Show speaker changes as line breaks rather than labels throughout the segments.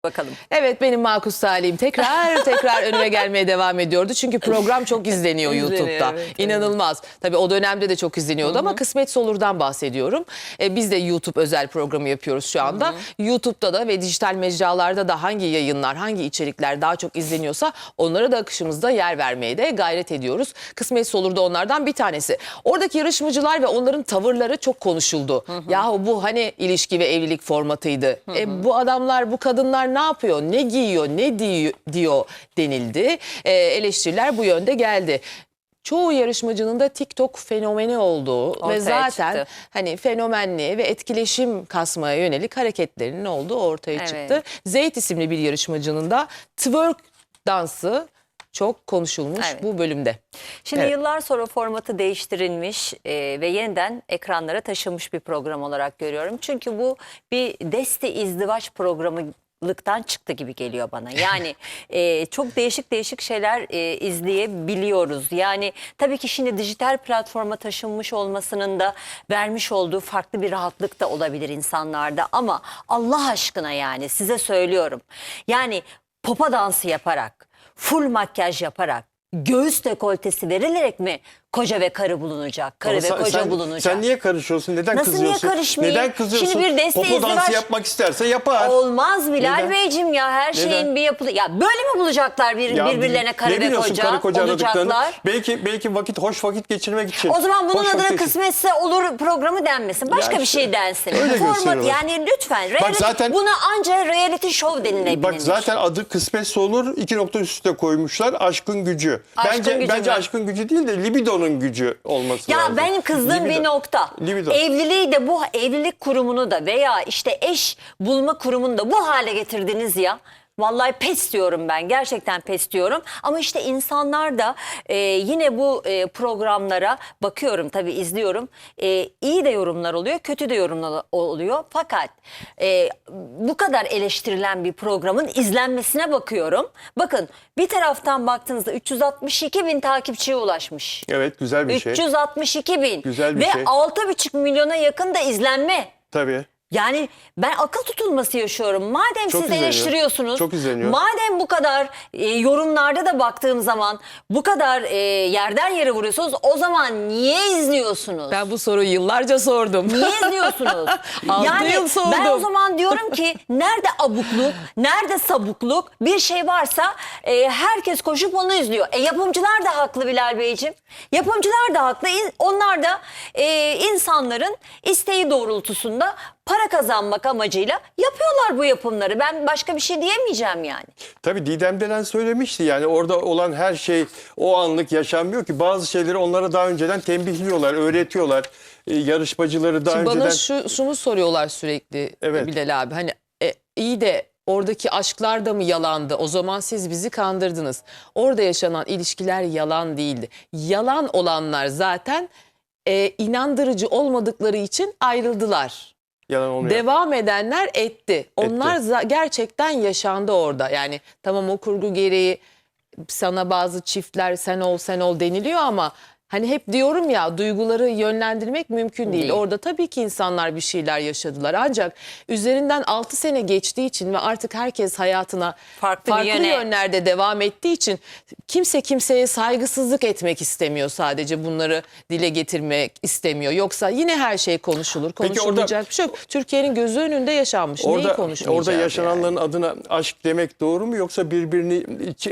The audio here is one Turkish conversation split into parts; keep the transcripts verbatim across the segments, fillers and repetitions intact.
Bakalım.
Evet, benim makus talihim tekrar tekrar önüme gelmeye devam ediyordu. Çünkü program çok izleniyor YouTube'da.
Evet,
İnanılmaz. Tabii o dönemde de çok izleniyordu. Hı hı. Ama Kısmetse Olur'dan bahsediyorum. Ee, biz de YouTube özel programı yapıyoruz şu anda. Hı hı. YouTube'da da ve dijital mecralarda da hangi yayınlar, hangi içerikler daha çok izleniyorsa onlara da akışımızda yer vermeye de gayret ediyoruz. Kısmetse Olur da onlardan bir tanesi. Oradaki yarışmacılar ve onların tavırları çok konuşuldu. Hı hı. Yahu bu hani ilişki ve evlilik formatıydı. Hı hı. E, bu adamlar, bu kadınlar ne yapıyor, ne giyiyor, ne diyor, diyor denildi. E, eleştiriler bu yönde geldi. Çoğu yarışmacının da TikTok fenomeni olduğu ortaya ve zaten çıktı. Hani fenomenliğe ve etkileşim kasmaya yönelik hareketlerinin olduğu ortaya evet. çıktı. Zeyt isimli bir yarışmacının da twerk dansı çok konuşulmuş evet. bu bölümde.
Şimdi
evet.
yıllar sonra formatı değiştirilmiş e, ve yeniden ekranlara taşınmış bir program olarak görüyorum. Çünkü bu bir deste izdivaç programı lıktan çıktı gibi geliyor bana. Yani e, çok değişik değişik şeyler e, izleyebiliyoruz. Yani tabii ki şimdi dijital platforma taşınmış olmasının da vermiş olduğu farklı bir rahatlık da olabilir insanlarda. Ama Allah aşkına yani size söylüyorum. Yani popa dansı yaparak, full makyaj yaparak, göğüs dekoltesi verilerek mi koca ve karı bulunacak? Karı
Ama
ve
sen,
koca
sen,
bulunacak.
Sen niye karışıyorsun? Neden
Nasıl
kızıyorsun?
niye karışmayayım?
Neden kızıyorsun?
Şimdi bir deste
Popo
izdivaç...
dansı yapmak isterse yapar.
Olmaz Bilal
Neden?
Beyciğim ya, her
Neden?
şeyin bir yapılı... Ya böyle mi bulacaklar bir,
ya,
birbirlerine karı ve koca?
Karı koca
olacaklar.
Belki belki vakit hoş vakit geçirmek için.
O zaman bunun
hoş
adına
vakit...
Kısmetse Olur programı denmesin. Başka
ya
bir
işte,
şey densin.
Öyle
Format, yani lütfen. Reality,
zaten,
buna anca reality show denilebilir.
Bak zaten adı Kısmetse Olur, iki nokta üstüne koymuşlar. Aşkın gücü.
Aşkın
bence
gücü
bence
mü?
Aşkın gücü değil de libidonun gücü olması
ya
lazım.
Ya benim kızdığım
Libido.
bir nokta.
Libido.
Evliliği de, bu evlilik kurumunu da veya işte eş bulma kurumunu da bu hale getirdiniz ya. Vallahi pes diyorum ben. Gerçekten pes diyorum. Ama işte insanlar da e, yine bu e, programlara bakıyorum, tabii izliyorum. E, iyi de yorumlar oluyor, kötü de yorumlar oluyor. Fakat e, bu kadar eleştirilen bir programın izlenmesine bakıyorum. Bakın, bir taraftan baktığınızda üç yüz altmış iki bin takipçiye ulaşmış.
Evet, güzel bir şey.
üç yüz altmış iki bin.
Güzel bir
Ve
şey.
altı buçuk milyona yakın da izlenme.
Tabii.
Yani ben akıl tutulması yaşıyorum. Madem
Çok
siz
izleniyor.
eleştiriyorsunuz,
Çok izleniyor.
madem bu kadar e, yorumlarda da baktığım zaman bu kadar e, yerden yere vuruyorsunuz, o zaman niye izliyorsunuz?
Ben bu soruyu yıllarca sordum.
Niye izliyorsunuz?
Yani
yıl
sordum.
Ben o zaman diyorum ki nerede abukluk, nerede sabukluk, bir şey varsa e, herkes koşup onu izliyor. E, yapımcılar da haklı Bilal Beyciğim. Yapımcılar da haklı. Onlar da e, insanların isteği doğrultusunda para kazanmak amacıyla yapıyorlar bu yapımları. Ben başka bir şey diyemeyeceğim yani.
Tabii Didem Delen söylemişti, yani orada olan her şey o anlık yaşanmıyor ki. Bazı şeyleri onlara daha önceden tembihliyorlar, öğretiyorlar. Ee, yarışmacıları daha
Şimdi
önceden...
Bana şu, şunu soruyorlar sürekli
Evet.
Bilal abi. Hani e, iyi de oradaki aşklar da mı yalandı? O zaman siz bizi kandırdınız. Orada yaşanan ilişkiler yalan değildi. Yalan olanlar zaten e, inandırıcı olmadıkları için ayrıldılar.
Yalan olmuyor.
Devam edenler etti. Onlar etti. Gerçekten yaşandı orada. Yani tamam, o kurgu gereği sana bazı çiftler sen ol sen ol deniliyor ama hani hep diyorum ya, duyguları yönlendirmek mümkün değil. değil. Orada tabii ki insanlar bir şeyler yaşadılar. Ancak üzerinden altı sene geçtiği için ve artık herkes hayatına farklı, farklı yönlerde devam ettiği için kimse kimseye saygısızlık etmek istemiyor, sadece bunları dile getirmek istemiyor. Yoksa yine her şey konuşulur, konuşulmayacak orada, bir şey yok. Türkiye'nin gözü önünde yaşanmış.
Orada,
Neyi konuşmayacak?
Orada yaşananların
yani?
adına aşk demek doğru mu, yoksa birbirini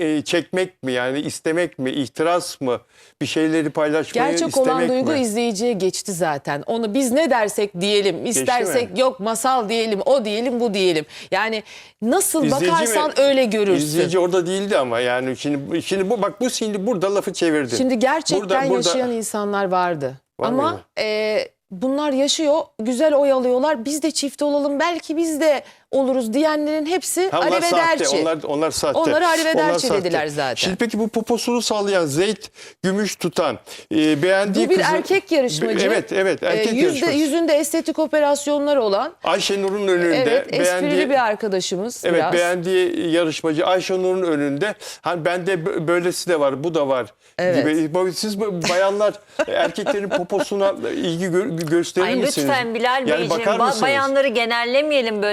çekmek mi, yani istemek mi, ihtiras mı, bir şeyleri paylaşmak?
Gerçek olan duygu mi? izleyiciye geçti zaten. Onu biz ne dersek diyelim, istersek yok masal diyelim, o diyelim, bu diyelim. Yani nasıl İzleyici bakarsan mi? öyle görürsün.
İzleyici orada değildi ama yani şimdi şimdi bu bak bu şimdi burada lafı çevirdin.
Şimdi gerçekten
burada, burada...
yaşayan insanlar vardı.
Var
ama e, bunlar yaşıyor, güzel oy alıyorlar. Biz de çift olalım, belki biz de oluruz diyenlerin hepsi
ha,
arrivederci.
Onlar, onlar sahte.
Onları arrivederci dediler zaten.
Şimdi peki bu poposunu sallayan, Zeyt gümüş tutan, e, beğendiği
bu bir
kızı...
erkek yarışmacı.
Evet, evet. Erkek
e, yüzde,
yarışmacı.
Yüzünde estetik operasyonları olan.
Ayşenur'un önünde.
Evet, esprili
beğendiği,
bir arkadaşımız.
Evet,
biraz.
beğendiği yarışmacı Ayşenur'un önünde. Hani bende böylesi de var, bu da var.
Evet.
Gibi. Siz bayanlar erkeklerin poposuna ilgi gö gösterir
Ay
misiniz?
lütfen Bilal
yani
Beyciğim, ba bayanları genellemeyelim böyle. Böyle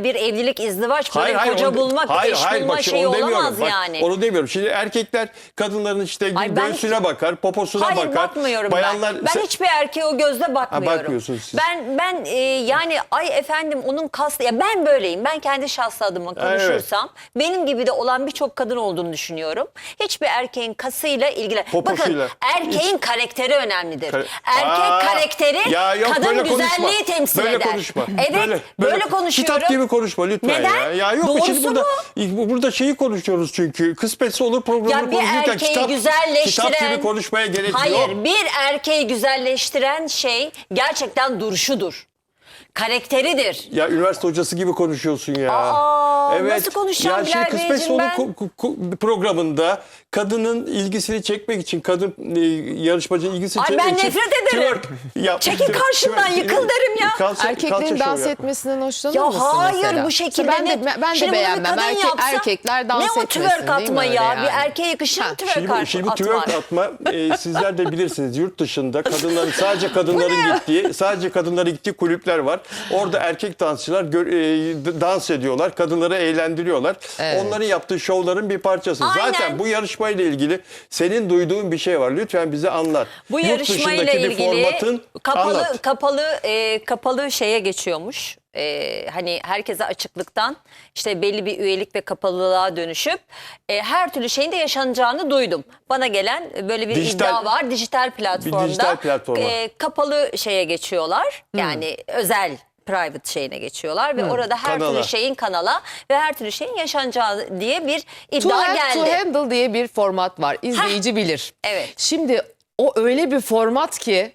böyle bir evlilik, izdivaç, böyle
Hayır, hayır,
koca
onu-
bulmak,
hayır,
eş
hayır,
bulma
bak,
şeyi
onu demiyorum.
olamaz
Bak,
yani.
Onu demiyorum. Şimdi erkekler kadınların işte
Ay ben-
göğsüne bakar, poposuna
Hayır
bakar.
bakmıyorum
Bayanlar,
ben. Ben
sen-
hiçbir erkeğe o gözle bakmıyorum.
bakmıyorsunuz siz.
Ben ben e, yani ay efendim onun kas ya ben böyleyim. Ben kendi şahsı adıma
evet.
konuşursam benim gibi de olan birçok kadın olduğunu düşünüyorum. Hiçbir erkeğin kasıyla ilgili.
Poposuyla.
Bakın erkeğin karakteri önemlidir.
Kare-
Erkek
Aa,
karakteri
ya yok,
kadın
böyle konuşma.
güzelliği temsil
Böyle
eder.
konuşma.
Evet böyle, konuşuyorum.
Kitap gibi konuşma lütfen
Neden?
ya. Ya yok
Doğrusu
şimdi burada
bu.
burada şeyi konuşuyoruz çünkü. Kısmetse olur programını
Ya bir
konuşurken
erkeği
kitap,
güzelleştiren...
kitap gibi konuşmaya gerek
Hayır,
yok.
bir erkeği güzelleştiren şey gerçekten duruşudur. Karakteridir.
Ya üniversite hocası gibi konuşuyorsun ya.
Aa, nasıl konuşacağım
ya şey
Bilal
kısmet
Beyciğim
sonu
ben?
ko- ko- ko- programında kadının ilgisini çekmek için kadın e, yarışmacının ilgisini
Ay,
çekmek
ben
için
nefret ederim.
twerk yap-
Çekil
twerk-
karşımdan,
twerk-
yıkıl derim ya.
Kalça-
Erkeklerin
kalça
dans
şov yap.
etmesinden hoşlanır
Ya
mısın
hayır
mesela?
bu şekilde.
Ben de,
net.
ben de
Şimdi bunu bir
beğenmem.
kadın
Erkek,
yapsa,
erkekler dans
ne o
etmesin
twerk
değil mi
atma
öyle
ya?
yani?
Bir erkeğe yakışır mı
Ha,
twerk
Şimdi, bu- şimdi bu
atma?
twerk atma e, sizler de bilirsiniz yurt dışında kadınların sadece kadınların gittiği sadece kadınların gittiği kulüpler var. Orada erkek dansçılar gö- e, dans ediyorlar. Kadınları eğlendiriyorlar.
Evet.
Onların yaptığı şovların bir parçası.
Aynen.
Zaten bu yarışmayla ilgili senin duyduğun bir şey var. Lütfen bize anlat.
Bu
Yurt
yarışmayla
dışındaki bir
ilgili
formatın
kapalı
anlat.
kapalı e, kapalı şeye geçiyormuş. E, hani herkese açıklıktan işte belli bir üyelik ve kapalılığa dönüşüp e, her türlü şeyin de yaşanacağını duydum. Bana gelen böyle bir
Dijital-
iddia var. Dijital platformda
dijital platforma.
e, kapalı şeye geçiyorlar. Yani özel private şeyine geçiyorlar ve orada her
Kanala.
türlü şeyin kanala ve her türlü şeyin yaşanacağı diye bir
To
iddia
have to
geldi.
handle diye bir format var. İzleyici bilir.
Evet.
Şimdi o öyle bir format ki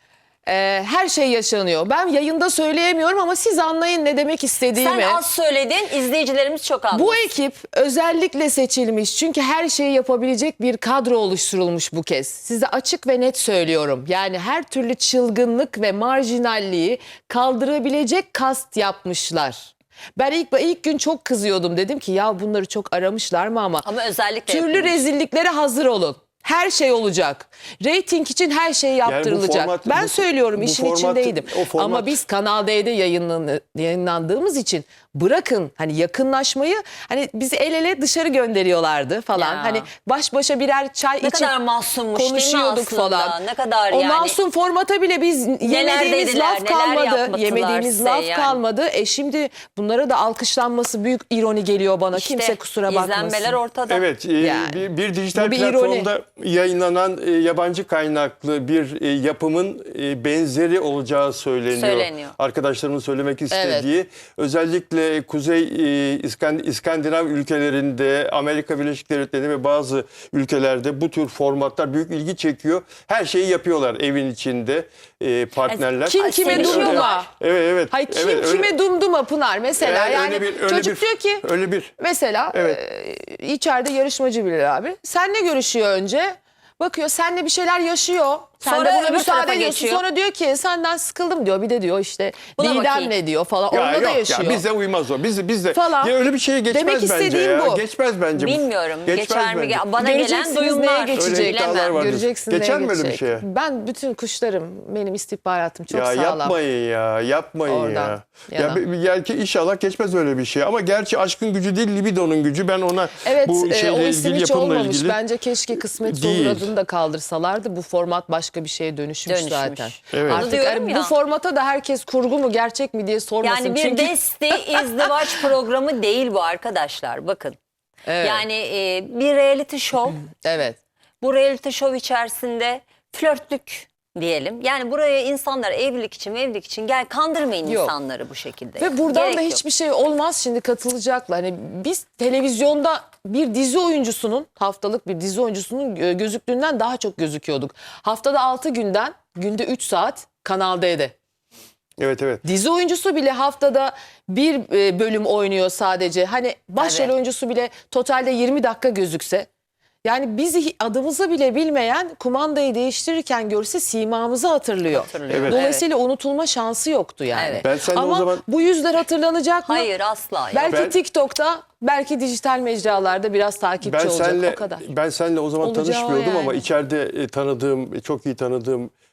e, her şey yaşanıyor. Ben yayında söyleyemiyorum ama siz anlayın ne demek istediğimi.
Sen az söyledin, izleyicilerimiz çok anladı.
Bu ekip özellikle seçilmiş çünkü her şeyi yapabilecek bir kadro oluşturulmuş bu kez. Size açık ve net söylüyorum. Yani her türlü çılgınlık ve marjinalliği kaldırabilecek kast yapmışlar. Ben ilk ilk gün çok kızıyordum. Dedim ki ya bunları çok aramışlar mı ama,
Ama özellikle
türlü
yapılmış.
rezilliklere hazır olun. Her şey olacak. Reyting için her şey yaptırılacak.
format-
ben
bu-
söylüyorum
bu
işin
format-
içindeydim.
o format-
Ama biz Kanal D'de yayınlan- yayınlandığımız için bırakın hani yakınlaşmayı, hani bizi el ele dışarı gönderiyorlardı falan.
Ya.
Hani baş başa birer çay
Ne
içip
kadar masummuş değil mi
konuşuyorduk
aslında?
falan.
Ne kadar
o
yani.
masum formata bile biz yemediğimiz
dediler,
laf
neler
kalmadı.
yapmadılar
Yemediğimiz
size
laf
yani.
kalmadı. E şimdi bunlara da alkışlanması büyük ironi geliyor bana.
İşte
Kimse kusura bakmasın.
İzlenmeler ortada.
Evet, e,
Yani.
bir, bir dijital
Bu bir
platformda yayınlanan e, yabancı kaynaklı bir e, yapımın e, benzeri olacağı söyleniyor.
Söyleniyor.
Arkadaşlarımın söylemek istediği. Özellikle Kuzey e, İskand- İskandinav ülkelerinde, Amerika Birleşik Devletleri'nde ve bazı ülkelerde bu tür formatlar büyük ilgi çekiyor. Her şeyi yapıyorlar evin içinde e, partnerler.
Kim
Ay,
kime
sevişiyorlar.
dumduma?
Evet, evet.
Hayır kim
evet, öyle-
kime dumduma Pınar mesela.
Evet,
yani
öyle bir- öyle
çocuk
bir-
diyor ki
öyle bir.
mesela
Evet.
e, içeride yarışmacı Bilal abi. Senle görüşüyor önce. Bakıyor senle bir şeyler yaşıyor. Sen
Sonra
de buna
öbür
müsaade
tarafa
ediyorsun.
geçiyor.
Sonra diyor ki senden sıkıldım diyor. Bir de diyor işte
Buna
Didem
bakayım.
ne diyor falan.
Ya
Onda da
yok
yaşıyor.
ya bize uymaz o. Biz biz de
Falan.
ya öyle bir şeye geçmez
Demek
bence
istediğim
ya.
bu.
Geçmez bence. bu.
Bilmiyorum.
Geçmez
Geçer mi?
bence.
Bana gelen
Göreceksiniz
duyumlar.
neye geçecek.
Öyle iddialar
Bilemem.
var.
Göreceksiniz neye
Geçer mi öyle bir
geçecek.
şeye?
Ben bütün kuşlarım, benim istihbaratım çok
Ya
sağlam.
yapmayın ya, yapmayın
Oradan,
ya.
yana.
Ya bir- belki inşallah geçmez öyle bir şey. Ama gerçi aşkın gücü değil, libidonun gücü. Ben ona
Evet,
bu
e,
şeyle
o isim
ilgili,
hiç
yapımla
olmamış.
ilgili.
Bence keşke Kısmet
Değil.
Olur adını da kaldırsalardı. Bu format başka bir şeye dönüşmüş,
Dönüşmüş.
zaten.
Evet.
Onu
Artık
diyorum
hani
ya.
bu formata da herkes kurgu mu gerçek mi diye sormasın.
Yani bir
Çünkü
desti izdivaç programı değil bu arkadaşlar. Bakın.
Evet.
Yani e, bir reality show.
evet.
Bu reality show içerisinde flörtlük diyelim. Yani buraya insanlar evlilik için evlilik için gel kandırmayın
Yok.
insanları bu şekilde.
Ve buradan
Gerek
da
yok.
hiçbir şey olmaz, şimdi katılacaklar. Hani biz televizyonda bir dizi oyuncusunun, haftalık bir dizi oyuncusunun gö- gözüktüğünden daha çok gözüküyorduk. Haftada altı günden günde üç saat Kanal D'de.
Evet evet.
Dizi oyuncusu bile haftada bir e, bölüm oynuyor sadece. Hani başrol
Evet.
oyuncusu bile totalde yirmi dakika gözükse. Yani bizi adımızı bile bilmeyen kumandayı değiştirirken görse simamızı hatırlıyor.
Hatırlıyor.
Evet.
Dolayısıyla unutulma şansı yoktu yani.
Evet.
Ben seninle o
Ama
zaman-
bu yüzler hatırlanacak mı?
Hayır asla.
Belki
Ben-
TikTok'ta, belki dijital mecralarda biraz takipçi
Ben
olacak,
senle
o kadar.
ben seninle o zaman
Olacağı o
tanışmıyordum ama
yani.
içeride e, tanıdığım, çok iyi tanıdığım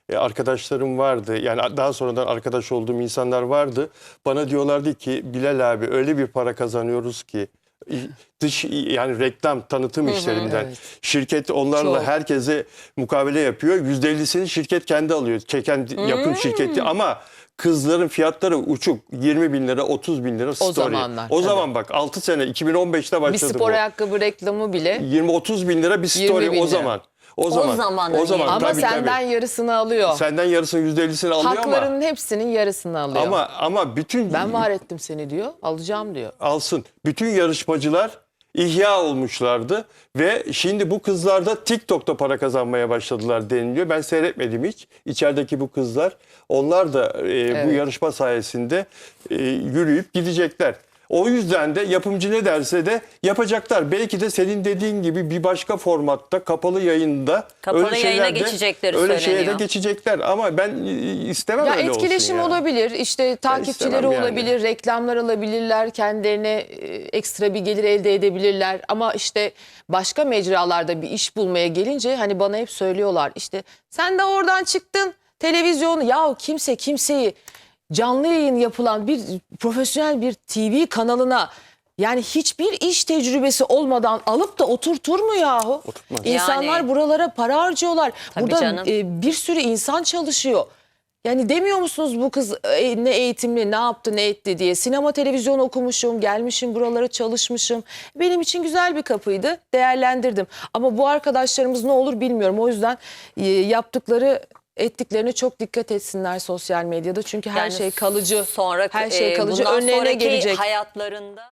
e, arkadaşlarım vardı. Yani daha sonradan arkadaş olduğum insanlar vardı. Bana diyorlardı ki Bilal abi öyle bir para kazanıyoruz ki dış yani reklam tanıtım işlerinden
evet.
şirket onlarla
Çok.
herkese mukabele yapıyor. yüzde ellisini şirket kendi alıyor. Çeken yapım şirketi ama kızların fiyatları uçuk. yirmi bin lira, otuz bin lira story.
zamanlar,
O
tabii.
zaman bak altı sene iki bin on beşte
Bir
başladı
spor
bu.
ayakkabı reklamı bile.
yirmi otuz bin lira bir story
yirmi bin
o
lira.
zaman. O zaman.
zaman
O zaman
hani.
Ama
tabii,
senden
tabii.
yarısını alıyor.
Senden yarısının yüzde ellisini alıyor ama
Haklarının hepsinin yarısını alıyor.
ama ama bütün
Ben var ettim seni diyor. Alacağım diyor.
alsın. Bütün yarışmacılar ihya olmuşlardı ve şimdi bu kızlar da TikTok'ta para kazanmaya başladılar deniliyor. Ben seyretmedim hiç. İçerideki bu kızlar onlar da e, bu yarışma sayesinde e, yürüyüp gidecekler. O yüzden de yapımcı ne derse de yapacaklar. Belki de senin dediğin gibi bir başka formatta kapalı yayında
Kapalı
öyle
yayına
şeyler de-
geçecekleri
öyle şeye de
söyleniyor.
geçecekler ama ben e, istemem
Ya
öyle olsun
etkileşim
yani.
olabilir, işte takipçileri
istemem yani.
olabilir, reklamlar alabilirler, kendilerine e, ekstra bir gelir elde edebilirler. Ama işte başka mecralarda bir iş bulmaya gelince hani bana hep söylüyorlar işte sen de oradan çıktın televizyonu ya kimse kimseyi canlı yayın yapılan bir profesyonel bir T V kanalına yani hiçbir iş tecrübesi olmadan alıp da oturtur mu yahu?
Oturtmaz.
İnsanlar
Yani.
buralara para harcıyorlar.
Tabii
Burada
canım.
e, bir sürü insan çalışıyor. Yani demiyor musunuz bu kız e, ne eğitimli, ne yaptı, ne etti diye. Sinema, televizyon okumuşum, gelmişim buralara çalışmışım. Benim için güzel bir kapıydı, değerlendirdim. Ama bu arkadaşlarımız ne olur bilmiyorum. O yüzden e, yaptıkları, ettiklerine çok dikkat etsinler sosyal medyada. Çünkü her
Yani
şey kalıcı,
sonra
her şey
e,
kalıcı
bundan
önlerine
sonraki
gelecek.
hayatlarında